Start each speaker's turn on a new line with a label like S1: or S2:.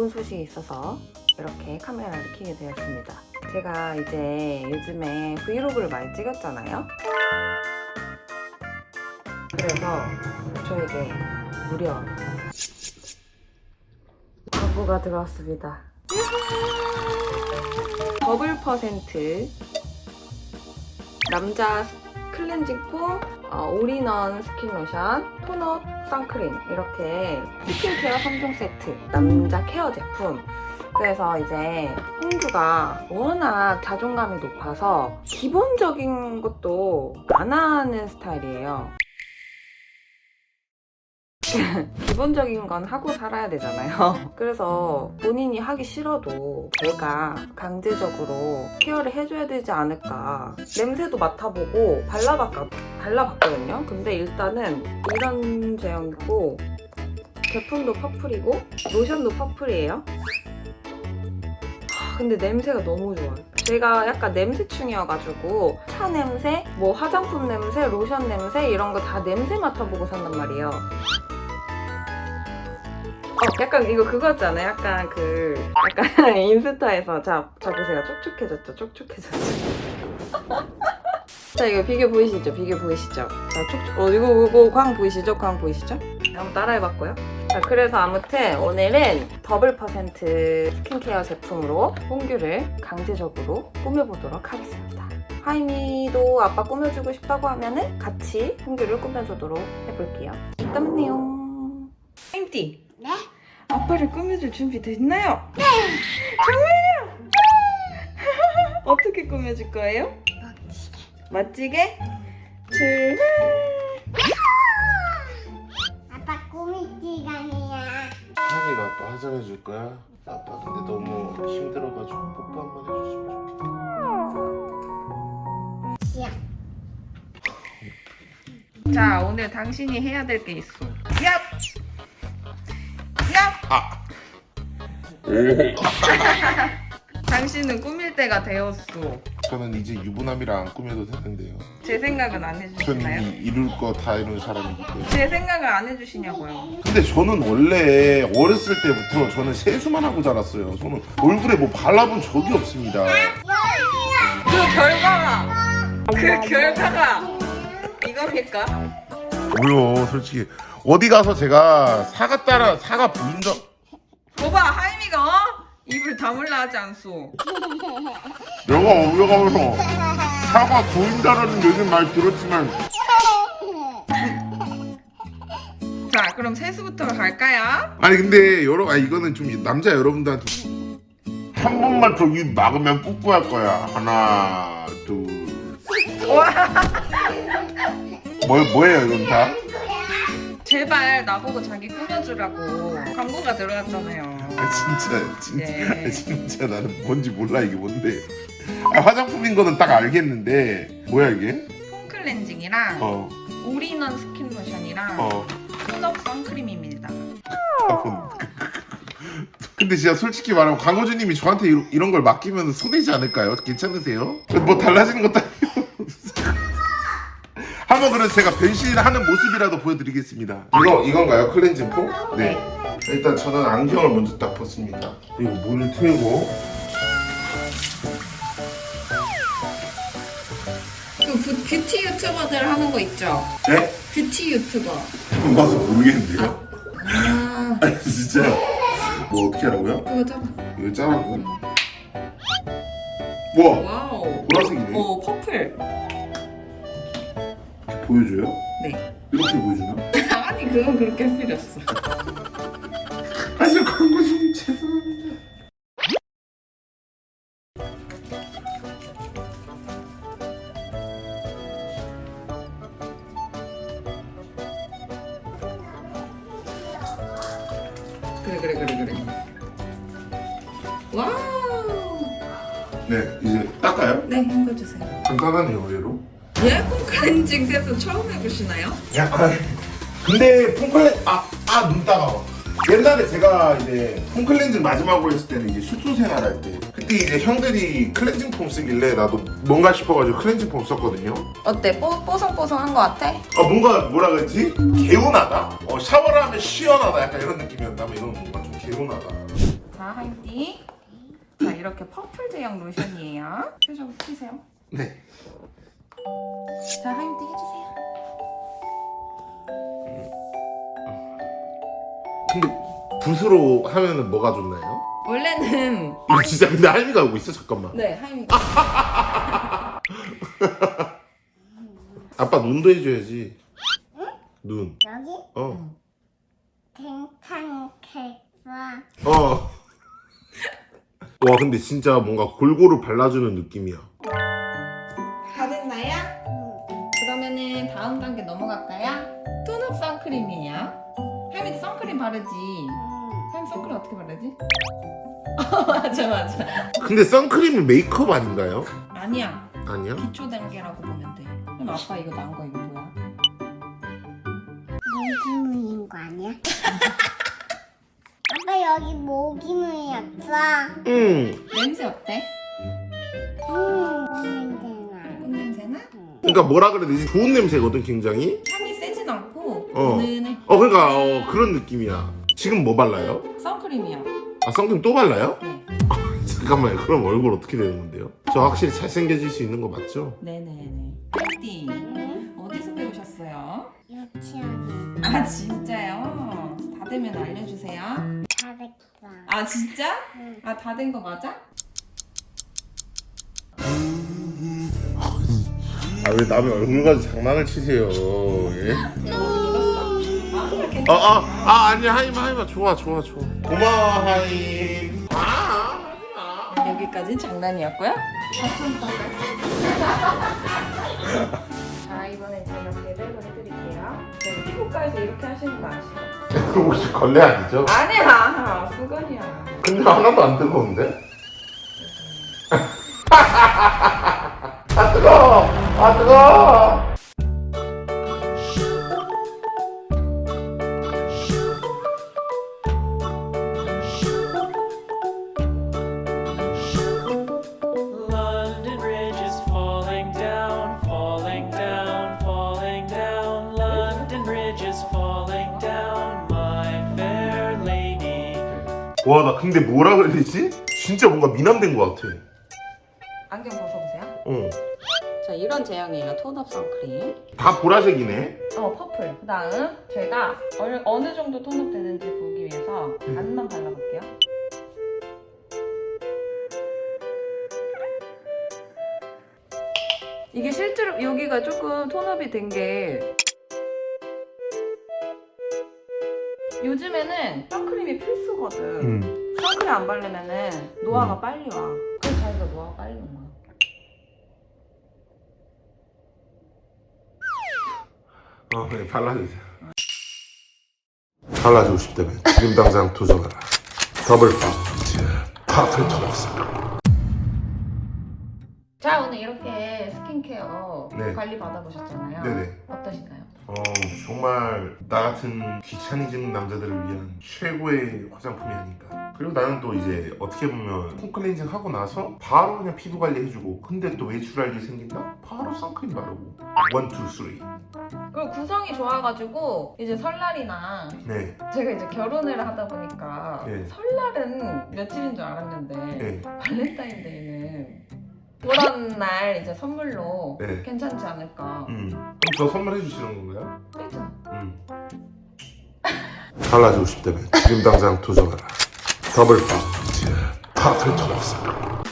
S1: 좋은 소식이 있어서 이렇게 카메라를 켜게 되었습니다. 제가 이제 요즘에 브이로그를 많이 찍었잖아요. 그래서 저에게 무려 광고가 들어왔습니다. 더블 퍼센트 남자 클렌징 폼, 올인원 스킨 로션, 톤업, 선크림 이렇게 스킨케어 3종 세트 남자 케어 제품. 그래서 이제 홍주가 워낙 자존감이 높아서 기본적인 것도 안 하는 스타일이에요. 기본적인 건 하고 살아야 되잖아요. 그래서 본인이 하기 싫어도 제가 강제적으로 케어를 해줘야 되지 않을까. 냄새도 맡아보고 발라봤거든요. 근데 일단은 이런 제형이고 제품도 퍼플이고 로션도 퍼플이에요. 근데 냄새가 너무 좋아요. 제가 약간 냄새충이어가지고 차 냄새, 뭐 화장품 냄새, 로션 냄새 이런 거 다 냄새 맡아보고 산단 말이에요. 약간 이거 그거 같지 않아요? 약간 인스타에서 자 보세요. 촉촉해졌죠? 촉촉해졌죠? 자, 이거 비교 보이시죠? 자, 이거 광 보이시죠? 한번 따라해봤고요. 자, 그래서 아무튼 오늘은 더블 퍼센트 스킨케어 제품으로 홍규를 강제적으로 꾸며보도록 하겠습니다. 하이미도 아빠 꾸며주고 싶다고 하면은 같이 홍규를 꾸며주도록 해볼게요. 이따 만나요. 하이미띠.
S2: 네?
S1: 아빠를 꾸며줄 준비 됐나요?
S2: 네!
S1: 정말요? 어떻게 꾸며줄 거예요? 멋지게? 출발!
S2: 아빠 꾸밀 시간이야.
S3: 하니가 아빠 화장해줄 거야? 아빠 근데 너무 힘들어가지고 뽀뽀 한번 해줬으면 좋겠다.
S2: 시야.
S1: 자, 오늘 당신이 해야 될 게 있어. 얍! 얍! 당신은 꾸밀 때가 되었어.
S3: 저는 이제 유부남이라 안 꾸며도 되는데요.
S1: 제 생각은 안
S3: 저는
S1: 해주시나요?
S3: 이룰 거 다 이룬 사람이기 때문에.
S1: 제 생각을 안 해주시냐고요.
S3: 근데 저는 원래 어렸을 때부터 저는 세수만 하고 자랐어요. 저는 얼굴에 뭐 발라본 적이 없습니다.
S1: 그 결과가 이겁니까?
S3: 뭐요, 솔직히 어디 가서 제가 사가 보인다.
S1: 봐봐, 하이미가 입을 다물라 하지 않소.
S3: 내가 어디 가서 사가 보인다라는 얘기는 많이 들었지만
S1: 자, 그럼 세수부터 갈까요?
S3: 아니 근데 이거는 좀 남자 여러분들한테 한 번만 더 입 막으면 뽀뽀할 거야. 하나, 둘. 뭐예요 이건 다?
S1: 제발 나보고 자기 꾸며주라고 광고가 들어갔잖아요.
S3: 진짜 나는 뭔지 몰라. 이게 뭔데? 화장품인 거는 딱 알겠는데 뭐야 이게?
S1: 폼 클렌징이랑 올인원 스킨 로션이랑 톤업 선크림입니다.
S3: 근데 진짜 솔직히 말하면 광고주님이 저한테 이런 걸 맡기면 손해지 않을까요? 괜찮으세요? 뭐 달라지는 것도 아니고. 한번 그래서 제가 변신하는 모습이라도 보여드리겠습니다. 이건가요? 클렌징 폼? 네. 일단 저는 안경을 먼저 딱 벗습니다. 그리고 물을 틀고.
S1: 그 뷰티 유튜버들 하는 거 있죠?
S3: 네?
S1: 뷰티 유튜버.
S3: 처음 봐서 모르겠는데요?
S1: 아,
S3: 아니 진짜 뭐 어떻게 하라고요?
S1: 그거 잡아.
S3: 이거 짜라고? 우와!
S1: 와우.
S3: 보라색이네.
S1: 퍼플.
S3: 보여줘요?
S1: 네.
S3: 이렇게 보여주나?
S1: 아니, 그건 그렇게 할 필요 없어.
S3: 아저 광고주님 죄송합니다.
S1: 그래. 와우.
S3: 네 이제 닦아요?
S1: 네, 헹궈주세요.
S3: 간단하네요 의외로.
S1: 예? 폼 클렌징 세수 처음 해보시나요?
S3: 약간 근데 폼클렌 눈 따가워. 옛날에 제가 이제 폼클렌징 마지막으로 했을 때는 이제 숙소 생활할 때 그때 이제 형들이 클렌징 폼 쓰길래 나도 뭔가 싶어가지고 클렌징 폼 썼거든요.
S1: 어때? 뽀송뽀송한 거 같아?
S3: 뭔가 뭐라 그랬지? 개운하다? 샤워를 하면 시원하다 약간 이런 느낌이었다면 이건 뭔가 좀 개운하다.
S1: 자, 하임띠. 자, 이렇게 퍼플 제형 로션이에요. 표정 튀세요.
S3: 네.
S1: 자, 하임띠 해주세요.
S3: 근데 붓으로 하면은 뭐가 좋나요?
S1: 원래는
S3: 이거 진짜 근데 할미가 오고 있어. 잠깐만.
S1: 네, 하임이.
S3: 아빠 눈도 해줘야지. 눈.
S2: 여기
S3: 어.
S2: 괜찮겠어.
S3: 어. 와 근데 진짜 뭔가 골고루 발라주는 느낌이야.
S1: 다 됐나요? 그러면은 다음 단계 넘어갈까요? 톤업 선크림이에요. 하임이도 선크림 바르지. 하임 선크림 어떻게 바르지? 맞아.
S3: 근데 선크림은 메이크업 아닌가요?
S1: 아니야.
S3: 아니야?
S1: 기초 단계라고 보면 돼. 그럼 아빠 이거 나온 거 이거 뭐야?
S2: 모기물인 거 아니야? 아빠 여기 모기물이었어.
S3: 응.
S1: 냄새 어때?
S2: 냄새나.
S1: 꽃 냄새나?
S3: 그러니까 뭐라 그래야 되지? 좋은 냄새거든 굉장히.
S1: 향이 세진 않고
S3: 어.
S1: 은은해.
S3: 그러니까 그런 느낌이야. 지금 뭐 발라요?
S1: 선크림이요.
S3: 아 선크림 또 발라요?
S1: 네.
S3: 잠깐만요. 그럼 얼굴 어떻게 되는 건데요? 저 확실히 잘생겨질 수 있는 거 맞죠?
S1: 네네네. 하임띠 어디서 배우셨어요?
S2: 유치원에
S1: 아 진짜요? 다 되면 알려주세요.
S2: 잘했어.
S1: 아 진짜?
S2: 응.
S1: 아 다 된 거 맞아?
S3: 아 왜 남의 얼굴 가지고 장난을 치세요? 예? 아니야 하이마 좋아. 고마워 하임.
S1: 여기까지는 장난이었고요. 자 이번엔 제가 제대로 해드릴게요. 제가 피부과에서 이렇게 하시는 거 아시죠?
S3: 혹시 걸레 아니죠?
S1: 아니야 수건이야.
S3: 근데 하나도 안 뜨거운데? 아 뜨거워.
S4: London Bridge is falling down, falling down, falling down. London Bridge is falling down, my fair lady.
S3: 와 나 근데 뭐라 그래야 되지? 진짜 뭔가 미남된 것 같아.
S1: 안경 벗어보세요.
S3: 어.
S1: 자 이런 제형이에요. 톤업 선크림.
S3: 다 보라색이네.
S1: 퍼플. 그 다음 제가 어느 정도 톤업 되는지 보기 위해서 반만 발라볼게요. 이게 실제로 여기가 조금 톤업이 된 게 요즘에는 선크림이 필수거든. 선크림 안 바르면은 노화가 빨리 와. 그래서 자기가 노화가 빨리 온 거야.
S3: 네, 발라주세요. 발라주고 싶다면 지금 당장 도전하라. 더블 파플 톤업.
S1: 자 오늘 이렇게 스킨케어
S3: 네.
S1: 관리 받아보셨잖아요.
S3: 네네.
S1: 어떠신가요?
S3: 정말 나 같은 귀차니즘 남자들을 위한 최고의 화장품이 아닌가. 그리고 나는 또 이제 어떻게 보면 폼 클렌징 하고 나서 바로 그냥 피부 관리 해주고, 근데 또 외출할 일이 생긴다? 바로 선크림 바르고 1, 2, 3.
S1: 그리고 구성이 좋아가지고 이제 설날이나
S3: 네.
S1: 제가 이제 결혼을 하다 보니까
S3: 네.
S1: 설날은 며칠인 줄 알았는데
S3: 네.
S1: 발렌타인데이는 그런 날 이제 선물로
S3: 네.
S1: 괜찮지 않을까.
S3: 그럼 저 선물해 주시는 건가요?
S1: 그렇죠?
S3: 발라주고 싶다면 지금 당장 도전하라. 더블 파플 톤업.